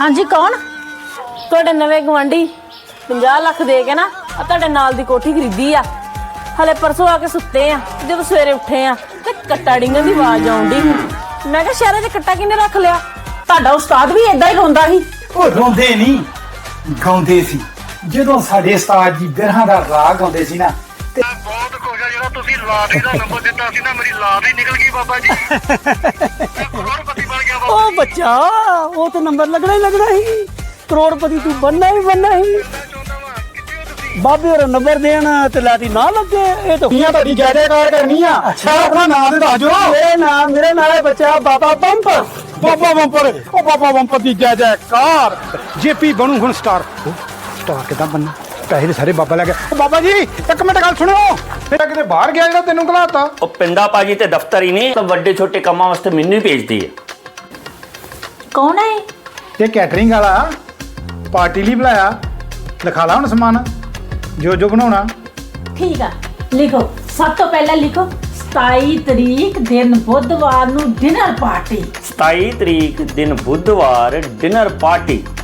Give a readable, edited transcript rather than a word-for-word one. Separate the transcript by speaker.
Speaker 1: हाँ जी कौन ਤੁਹਾਡੇ ਨਵੇਂ ਗਵਾਂਢੀ 50 ਲੱਖ ਦੇ ਕੇ ਨਾ ਆ ਤੁਹਾਡੇ ਨਾਲ ਦੀ ਕੋਠੀ ਖਰੀਦੀ ਆ ਹਲੇ ਪਰਸੋਂ ਆ ਕੇ ਸੁੱਤੇ ਆ ਜਦੋਂ ਸਵੇਰੇ ਉੱਠੇ ਆ ਤੇ ਕੱਟਾ ਡਿੰਗਣ ਦੀ ਆਵਾਜ਼ ਆਉਂਦੀ ਮੈਂ ਕਿਹਾ ਸ਼ਹਿਰੇ 'ਚ ਕੱਟਾ ਕਿਹਨੇ ਰੱਖ ਲਿਆ ਤੁਹਾਡਾ ਉਸਤਾਦ ਵੀ ਇਦਾਂ ਹੀ ਰੋਂਦਾ ਸੀ
Speaker 2: ਉਹ ਰੋਂਦੇ ਨਹੀਂ ਗਾਉਂਦੇ ਸੀ ਜਦੋਂ ਸਾਡੇ ਉਸਤਾਦ ਜੀ ਬਿਰਹਾਂ ਦਾ ਰਾਗ ਗਾਉਂਦੇ ਸੀ ਨਾ ਤੇ
Speaker 3: ਬਹੁਤ ਖੁਸ਼ ਆ ਜਿਹੜਾ ਤੁਸੀਂ ਲਾਟਰੀ ਦਾ ਨੰਬਰ ਦਿੱਤਾ ਸੀ ਨਾ ਮੇਰੀ ਲਾਟਰੀ ਨਿਕਲ ਗਈ ਬਾਬਾ ਜੀ ਮੈਂ ਕਰੋੜਪਤੀ ਬਣ ਗਿਆ ਬਾਬਾ
Speaker 4: ओ बच्चा वो तो नंबर लगना ही लगना ही करोड़पति तू बनना ही बनना ही
Speaker 3: ਮੈਂ ਚਾਹੁੰਦਾ ਵਾਂ ਕਿੱਥੇ ਹੋ ਤੁਸੀਂ
Speaker 4: बाबे और नंबर देना ते लाटी ना लगे ये तो
Speaker 2: ਦੀਆਂ ਤੁਹਾਡੀ ਜੈਕਾਰ ਕਰਨੀ ਆ ਅੱਛਾ ਆਪਣਾ ਨਾਮ ਤੇ ਦੱਸ ਦਿਓ
Speaker 4: मेरे नाल है बच्चा बाबा बम्पर
Speaker 5: ਬਾਬਾ ਬੰਪਰ ਉਹ ਬਾਬਾ ਬੰਪਰ ਦੀ ਜੈ ਜੈਕਾਰ ਜੇਪੀ ਬਣੂ ਹੁਣ ਸਟਾਰ ਸਟਾਰ ਕਿਦਾਂ ਬਣਨਾ ਪੈਸੇ ਦੇ ਸਾਰੇ ਬਾਬਾ ਲੈ ਗਿਆ ਉਹ ਬਾਬਾ ਜੀ ਇੱਕ ਮਿੰਟ ਗੱਲ ਸੁਣਿਓ ਮੇਰਾ ਕਿਤੇ ਬਾਹਰ ਗਿਆ ਜਿਹੜਾ ਤੈਨੂੰ ਘਲਾਤਾ
Speaker 6: ਉਹ ਪਿੰਡਾ ਪਾਜੀ ਤੇ ਦਫ਼ਤਰ ਹੀ ਨਹੀਂ ਤਾਂ ਵੱਡੇ ਛੋਟੇ ਕੰਮਾਂ ਵਾਸਤੇ ਮੈਨੂੰ ਹੀ ਭੇਜਦੀ ਹੈ
Speaker 1: ਕੌਣ ਹੈ
Speaker 2: ਇਹ ਕੈਟਰਿੰਗ ਵਾਲਾ ਪਾਰਟੀ ਲਈ ਬੁਲਾਇਆ ਲਿਖਾ ਲਾ ਹੁਣ ਸਮਾਨ ਜੋ ਜੋ ਬਣਾਉਣਾ
Speaker 1: ਠੀਕ ਆ ਲਿਖੋ ਸਭ ਤੋਂ ਪਹਿਲਾਂ ਲਿਖੋ 27 ਤਰੀਕ ਦਿਨ ਬੁੱਧਵਾਰ ਨੂੰ ਡਿਨਰ ਪਾਰਟੀ
Speaker 6: 27 ਤਰੀਕ ਦਿਨ ਬੁੱਧਵਾਰ ਡਿਨਰ ਪਾਰਟੀ